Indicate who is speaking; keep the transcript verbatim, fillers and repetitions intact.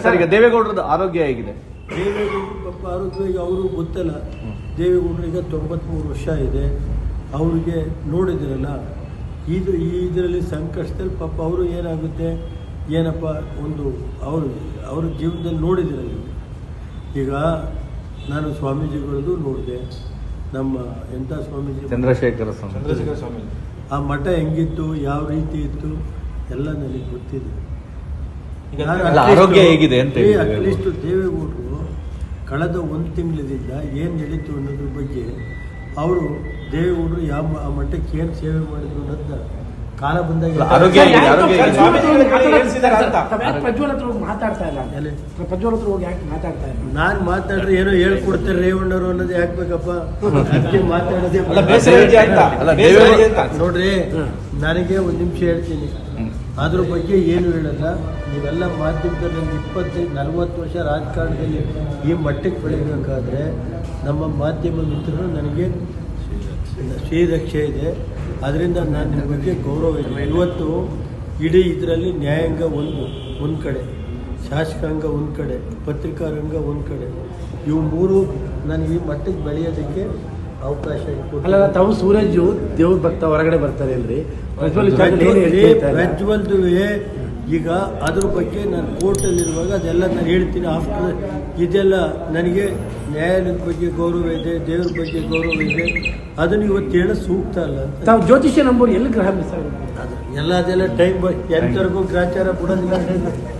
Speaker 1: Sir ಈಗ ದೇವೇಗೌಡರದ ಆರೋಗ್ಯ ಹೇಗಿದೆ?
Speaker 2: ದೇವೇಗೌಡರು ಪಾಪ ಆರೋಗ್ಯ ಈಗ ಅವರು ಗೊತ್ತಲ್ಲ. ದೇವೇಗೌಡರಿಗೆ ತೊಂಬತ್ಮೂರು ವರ್ಷ ಇದೆ. ಅವ್ರಿಗೆ ನೋಡಿದಿರಲ್ಲ, ಇದು ಈ ಇದರಲ್ಲಿ ಸಂಕಷ್ಟದಲ್ಲಿ ಪಾಪ ಅವರು ಏನಾಗುತ್ತೆ ಏನಪ್ಪ ಒಂದು ಅವರು ಅವ್ರ ಜೀವನದಲ್ಲಿ ನೋಡಿದಿರಲ್ಲ. ಈಗ ನಾನು ಸ್ವಾಮೀಜಿಗಳದ್ದು ನೋಡಿದೆ. ನಮ್ಮ ಎಂಥ ಸ್ವಾಮೀಜಿ
Speaker 1: ಚಂದ್ರಶೇಖರ ಸ್ವಾಮಿ
Speaker 3: ಚಂದ್ರಶೇಖರ ಸ್ವಾಮಿ
Speaker 2: ಆ ಮಠ ಹೆಂಗಿತ್ತು, ಯಾವ ರೀತಿ ಇತ್ತು ಎಲ್ಲ ನನಗೆ ಗೊತ್ತಿದೆ.
Speaker 1: ಆರೋಗ್ಯ ಹೇಗಿದೆ ಅಂತ
Speaker 2: ಅಟ್ಲೀಸ್ಟ್ ದೇವೇಗೌಡರು ಕಳೆದ ಒಂದು ತಿಂಗಳಿಂದ ಏನು ನಡೀತು ಅನ್ನೋದ್ರ ಬಗ್ಗೆ ಅವರು ದೇವೇಗೌಡರು ಯಾವ ಆ ಮಠಕ್ಕೆ ಏನು ಸೇವೆ ಮಾಡಿದ್ರು ಅನ್ನೋದನ್ನ ಕಾಲ ಬಂದಾಗ
Speaker 1: ಆರೋಗ್ಯ
Speaker 4: ಪ್ರಜ್ವಲ್ ಹತ್ರ ಹೋಗಿ ಮಾತಾಡ್ತಾ ಇಲ್ಲ. ಪ್ರಜ್ವಲ್ ಹತ್ರ ಹೋಗಿ ಯಾಕೆ ಮಾತಾಡ್ತಾ ಇಲ್ಲ?
Speaker 2: ನಾನು ಮಾತಾಡ್ರೆ ಏನೋ ಹೇಳ್ಕೊಡ್ತಾರೆ ರೇವಣ್ಣರು ಅನ್ನೋದು ಯಾಕಬೇಕಪ್ಪ? ಅದಕ್ಕೆ ಮಾತಾಡೋದೇ ನೋಡ್ರಿ. ನನಗೆ ಒಂದು ನಿಮಿಷ ಹೇಳ್ತೀನಿ, ಅದ್ರ ಬಗ್ಗೆ ಏನು ಹೇಳಲ್ಲ. ನೀವೆಲ್ಲ ಮಾಧ್ಯಮದಲ್ಲಿ ನನಗೆ ಇಪ್ಪತ್ತೈದು ನಲ್ವತ್ತು ವರ್ಷ ರಾಜಕಾರಣದಲ್ಲಿ ಈ ಮಟ್ಟಕ್ಕೆ ಬೆಳಿಬೇಕಾದ್ರೆ ನಮ್ಮ ಮಾಧ್ಯಮ ಮಿತ್ರರು ನನಗೆ ಶ್ರೀರಕ್ಷೆ ಇದೆ. ಅದರಿಂದ ನಾನು ನಿಮ್ಮ ಬಗ್ಗೆ ಗೌರವ ಇದೆ. ಇವತ್ತು ಇಡೀ ಇದರಲ್ಲಿ ನ್ಯಾಯಾಂಗ ಒಂದು ಒಂದು ಕಡೆ, ಶಾಸಕಾಂಗ ಒಂದು ಕಡೆ, ಪತ್ರಿಕಾರಂಗ ಒಂದು ಕಡೆ, ಇವು ಮೂರು ನನಗೆ ಈ ಮಟ್ಟಕ್ಕೆ ಬೆಳೆಯೋದಕ್ಕೆ ಅವಕಾಶ
Speaker 4: ಅಲ್ಲ. ತಾವು ಸೂರಜ್ ದೇವ್ರ ಭಕ್ತ ಹೊರಗಡೆ ಬರ್ತಾರೆ ಅಲ್ರಿ? ಪ್ರಜ್ವಲ್
Speaker 2: ಪ್ರಜ್ವಲ್ದುವೆ ಈಗ ಅದ್ರ ಬಗ್ಗೆ ನಾನು ಕೋರ್ಟಲ್ಲಿರುವಾಗ ಅದೆಲ್ಲ ನಾನು ಹೇಳ್ತೀನಿ. ಆಫ್ಟರ್ ಇದೆಲ್ಲ ನನಗೆ ನ್ಯಾಯಾಲಯದ ಬಗ್ಗೆ ಗೌರವ ಇದೆ, ದೇವ್ರ ಬಗ್ಗೆ ಗೌರವ ಇದೆ. ಅದನ್ನು ಇವತ್ತು ಹೇಳೋದು ಸೂಕ್ತ ಅಲ್ಲ ಅಂತ.
Speaker 4: ತಾವು ಜ್ಯೋತಿಷ್ಯ ನಂಬೋರು ಎಲ್ಲಿ ಗ್ರಹ ಮಿಸ್ ಆಗುತ್ತೆ?
Speaker 2: ಅದು ಎಲ್ಲ ಅದೆಲ್ಲ ಟೈಮ್ ಎಂತವರೆಗೂ ಗ್ರಾಚಾರ ಕೊಡೋದಿಲ್ಲ.